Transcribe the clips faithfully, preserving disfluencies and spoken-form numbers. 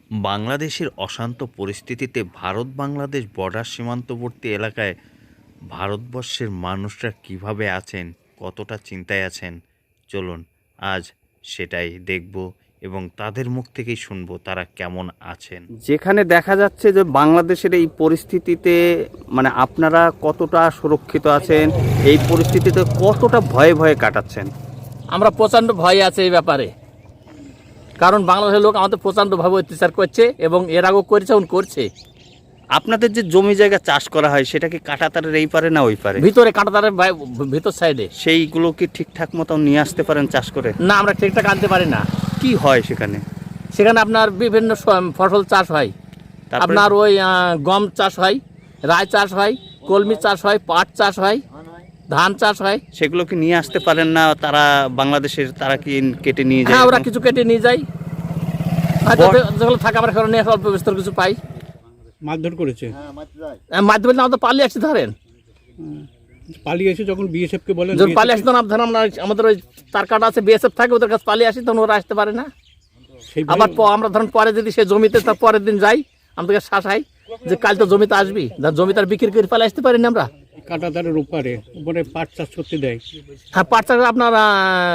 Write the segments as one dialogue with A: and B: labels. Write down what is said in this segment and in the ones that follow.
A: বাংলাদেশের অশান্ত পরিস্থিতিতে ভারত বাংলাদেশ বর্ডার সীমান্তবর্তী এলাকায় ভারতবর্ষের মানুষরা কিভাবে আছেন, কতটা চিন্তায় আছেন, চলুন আজ সেটাই দেখব এবং তাদের মুখ থেকেই শুনবো তারা কেমন আছেন।
B: যেখানে দেখা যাচ্ছে যে বাংলাদেশের এই পরিস্থিতিতে মানে আপনারা কতটা সুরক্ষিত আছেন, এই পরিস্থিতিতে কতটা ভয়ে ভয়ে কাটাচ্ছেন?
C: আমরা প্রচণ্ড ভয় আছে এই ব্যাপারে, কারণ বাংলাদেশের লোক আমাদের প্রচণ্ডভাবে অত্যাচার করছে এবং এর আগেও করেছে এবং করছে।
B: আপনাদের যে জমি জায়গা চাষ করা হয় সেটা কি কাঁটাতারের এই পারে না ওই পারে?
C: ভিতরে কাঁটাতারের ভিতর সাইডে।
B: সেইগুলো কি ঠিকঠাক মতো নিয়ে আসতে পারেন চাষ করে?
C: না, আমরা ঠিকঠাক আনতে পারি না।
B: কি হয় সেখানে?
C: সেখানে আপনার বিভিন্ন স- ফসল চাষ হয়।
B: তারপরে?
C: আপনার ওই আহ, গম চাষ হয়, রায় চাষ হয়, কলমি চাষ হয়, পাট চাষ হয়, ধান চাষ হয়।
B: সেগুলো কি নিয়ে আসতে পারেন না তারা বাংলাদেশের? তারা কি কেটে নিয়ে যায়?
C: হ্যাঁ, ওরা কিছু কেটে নিয়ে যায়। হয়তো
B: বর-
C: যেগুলো থাকে আমরা সেগুলো নিয়ে অল্প বিস্তর কিছু পাই।
D: মারধর করেছে,
C: আহ, মাধ্যমে না আমাদের পালিয়ে আসছি ধরেন,
D: পালিয়ে এসে যখন বিএসএফ কে বলেন,
C: যখন পালিয়ে আসি তখন ধরেন আমরা আমাদের ওই তার কাটা আছে, বিএসএফ থাকে, ওদের কাছে পালিয়ে আসি, তখন ওরা আসতে পারে না।
D: সেই
C: আবার প- আমরা ধরেন পরে যদি সে জমিতে তার পরের দিন যাই, আমাদেরকে শাসাই যে কাল তো জমিতে আসবি, ধর জমিতে আর বিক্রি করে পালিয়ে আসতে পারি না আমরা।
D: কাঁটাতারের উপরে উপরে পাট চাষ করতে দেয়।
C: হ্যাঁ, পাট চাষ আপনার আহ,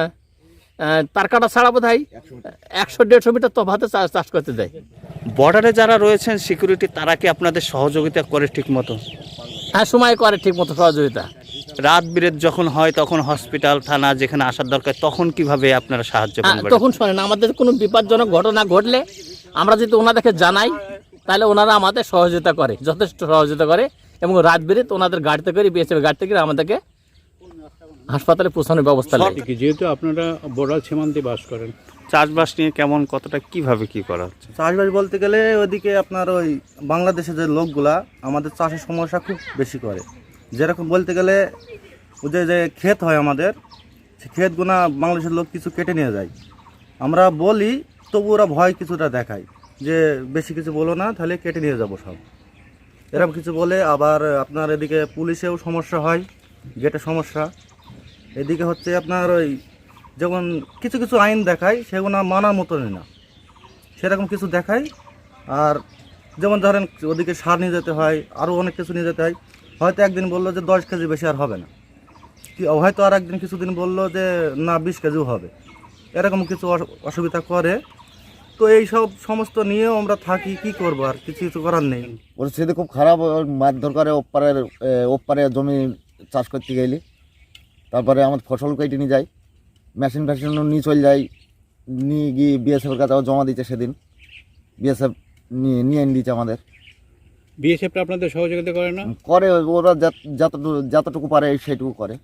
C: আহ, তার কাটা ছাড়া বোধ হয় একশো দেড়শো মিটার তফাতে চাষ চাষ করতে দেয়।
B: বর্ডারে যারা রয়েছেন সিকিউরিটি, তারা কি আপনাদের সহযোগিতা করে ঠিক মতো?
C: হ্যাঁ, সময় করে ঠিক মতো সহযোগিতা।
B: রাত বিরেত যখন হয় তখন হসপিটাল থানা যেখানে আসার দরকার তখন কিভাবে আপনারা সাহায্য
C: হ্যাঁ,
B: করেন?
C: তখন শোনেন, আমাদের কোনো বিপজ্জনক ঘটনা ঘটলে আমরা যদি ওনাদেরকে জানাই, তাহলে ওনারা আমাদের সহযোগিতা করে, যথেষ্ট সহযোগিতা করে এবং রাত বেরিয়ে ওনাদের গাড়িতে করে বিএসএফ গাড়িতে করে আমাদেরকে হাসপাতালে পৌঁছানোর ব্যবস্থা নেয়।
D: কি যেহেতু আপনারা বর্ডার সীমান্তে বাস করেন,
B: চাষবাস নিয়ে কেমন, কতটা কিভাবে কি করা হচ্ছে?
E: চাষবাস বলতে গেলে ওদিকে আপনার ওই বাংলাদেশের যে লোকগুলা আমাদের চাষের সমস্যা খুব বেশি করে। যেরকম বলতে গেলে ওদের যে ক্ষেত হয় আমাদের, সে ক্ষেতগুনা বাংলাদেশের লোক কিছু কেটে নিয়ে যায়। আমরা বলি তবু ওরা ভয় কিছুটা দেখায় যে বেশি কিছু বলো না, তাহলে কেটে নিয়ে যাবো সব, এরকম কিছু বলে। আবার আপনার এদিকে পুলিশেও সমস্যা হয়, গেটে সমস্যা। এদিকে হচ্ছে আপনার ওই যখন কিছু কিছু আইন দেখায় সেগুলো মানার মতনই না, সেরকম কিছু দেখায়। আর যেমন ধরেন ওদিকে সার নিয়ে যেতে হয়, আরও অনেক কিছু নিয়ে যেতে হয়। হয়তো একদিন বললো যে দশ কেজি বেশি আর হবে না, কি হয়তো আর একদিন কিছুদিন বললো যে না বিশ কেজিও হবে, এরকম কিছু অস- অসুবিধা করে। তো এই সব সমস্ত নিয়েও আমরা থাকি, কি করবো, আর কিছু কিছু করার নেই।
F: পরিস্থিতি খুব খারাপ। ওর মারধর করে ওপারের এ, ওপারে জমি চাষ করতে গেলে, তারপরে আমাদের ফসল কেটে নিয়ে যায়, মেশিন ফ্যাশনও নিয়ে চলে যায়, নিয়ে গিয়ে বিএসএফের কাছে আবার জমা দিচ্ছে। সেদিন বিএসএফ নিয়ে নিয়ে এনে দিচ্ছে আমাদের।
D: বিএসএফটা আপনাদের সহযোগিতা করে না?
F: করে ওরা যত- যতটুকু যতটুকু পারে সেইটুকু করে।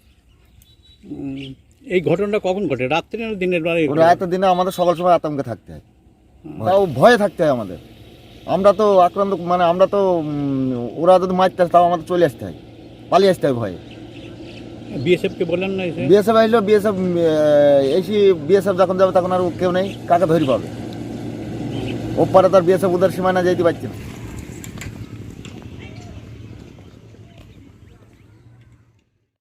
D: উম, এই ঘটনাটা কখন ঘটে, রাত্রে না দিনের বেলায়?
F: ওরা এত দিনে আমাদের সকাল সময় আতঙ্কে থাকতে হয়, তাও ভয়ে থাকতে হয় আমাদের। আমরা তো আক্রান্ত, মানে আমরা তো উম, ওরা যদি মারতে আসে তাও আমাদের চলে আসতে হয়, পালিয়ে আসতে হয় ভয়ে।
D: বিএসএফ কে বলেন না এসে?
F: বিএসএফ আসলো, বিএসএফ এসি বিএসএফ যখন যাবে তখন আর কেউ নেই, কাকে ধরি পাবে? ওপারে তার বিএসএফ উদার সীমানা যেতে পারছে না।